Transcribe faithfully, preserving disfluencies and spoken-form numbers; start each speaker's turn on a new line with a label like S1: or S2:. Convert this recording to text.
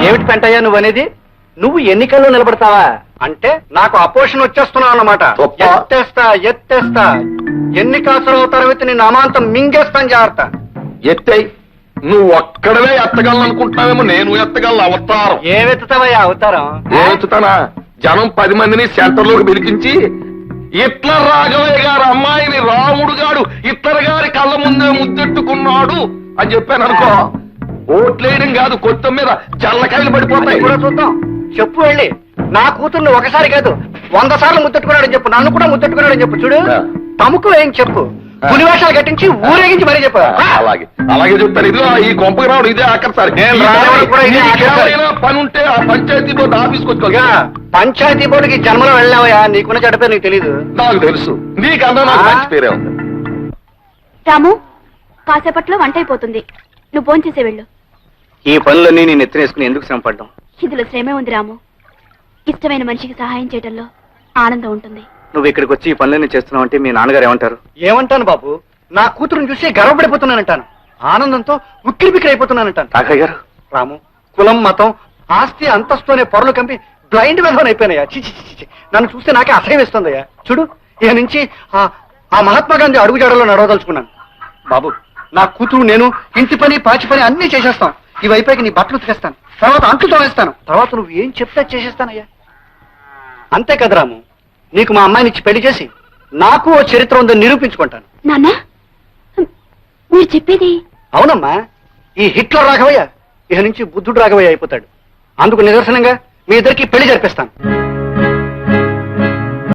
S1: ఏమిటి పెంటయ్యా నువ్వు అనేది? నువ్వు ఎన్నికల్లో నిలబడతావా అంటే నాకు అపోషన్ వచ్చేస్తున్నావు అన్నమాట. ఎత్తేస్తా ఎత్తేస్తా ఎన్నికాసులు తరగతి నేను అమాంతం మింగేస్తాను. జాగ్రత్త.
S2: ఎత్తే నువ్వు ఒక్కడవే ఎత్తగలను అనుకుంటున్నావేమో, నేను ఎత్తగలను. అవతారం
S1: ఏమెత్తుతావయ్యా అవతారం?
S2: ఏమెత్తుతానా? జనం పది మందిని సెంటర్ లోకి పిలిపించి హిట్లర్ రాఘవయ్య గారు అమ్మాయిని రాముడు గాడు హిట్లర్ గారి కళ్ళ ముందే ముద్దెట్టుకున్నాడు అని చెప్పాను అనుకో, ఓట్లేయడం కాదు కొత్త మీద జల్లకాయలు పడిపోతాయి.
S1: కూడా చూద్దాం. చెప్పు వెళ్ళి నా కూతుర్ని ఒకసారి కాదు వంద సార్లు ముద్దెట్టుకున్నాడని చెప్పు. నన్ను కూడా ముద్దెట్టుకున్నాడని చెప్పు. చూడు తమకు ఏం చెప్పు. పులివేషాలు కట్టించి ఊరేగించి మరీ చెప్పు.
S2: అలాగే అలాగే చెప్తాను. ఇదిగో ఈ కొంపకి రావడం ఇదే ఆఖరిసారి. పని ఉంటే ఆ పంచాయతీ బోర్డు ఆఫీస్కి వచ్చుకోగా.
S1: పంచాయతీ బోర్డుకి జన్మలో వెళ్ళావయ్యా, నీకున్న చెడ్డ పేరు నీకు తెలీదు.
S2: నాకు తెలుసు, నీకన్నా నాకు మంచి పేరే ఉంది.
S3: రాము, కాసేపట్లో వంట అయిపోతుంది, నువ్వు భోంచేసే వెళ్ళు.
S1: ఈ పనులన్నీ నేను ఎత్తినేసుకుని ఎందుకు శ్రమ పడ్డాం?
S3: ఇందులో శ్రమే ఉంది రాము. ఇష్టమైన మనిషికి సహాయం చేయడంలో ఆనందం ఉంటుంది.
S1: నువ్వు ఇక్కడికి వచ్చి ఈ పనులన్నీ చేస్తున్నావు అంటే మీ నాన్నగారు ఏమంటారు? ఏమంటాను బాబు, నా కూతురుని చూసి గర్వపడిపోతున్నానంటాను. ఆనందంతో ఉక్కిరి బిక్కిరి అయిపోతున్నానంటాను. తాకయ్య గారు, రాము కులం మతం ఆస్తి అంతస్తు అనే పొరలు కంపి బ్లైండ్ విధవన్ అయిపోయినాయా. చిచి చిచి నన్ను చూస్తే నాకే అసహ్యం వేస్తుందయ్యా. చూడు ఇక నుంచి ఆ మహాత్మా గాంధీ అడుగుజాడలో నడవదలుచుకున్నాను. బాబు నా కూతురు నేను ఇంటి పని పాచి పని అన్ని చేసేస్తాం. ఈ వైపుకి నీ బట్టలు ఉతికేస్తాను, తర్వాత అంట్లు తోనేస్తాను, తర్వాత నువ్వు ఏం చెప్తే చేసేస్తానయ్యా. అంతే కదా రాము, నీకు మా అమ్మాయిని ఇచ్చి పెళ్లి చేసి నాకు ఓ చరిత్ర ఉందని నిరూపించుకుంటాను.
S3: నాన్న మీరు చెప్పేది?
S1: అవునమ్మా, ఈ హిట్లర్ రాఘవయ్య ఇక నుంచి బుద్ధుడు రాఘవయ్య అయిపోతాడు. అందుకు నిదర్శనంగా మీ ఇద్దరికి పెళ్లి జరిపిస్తాను.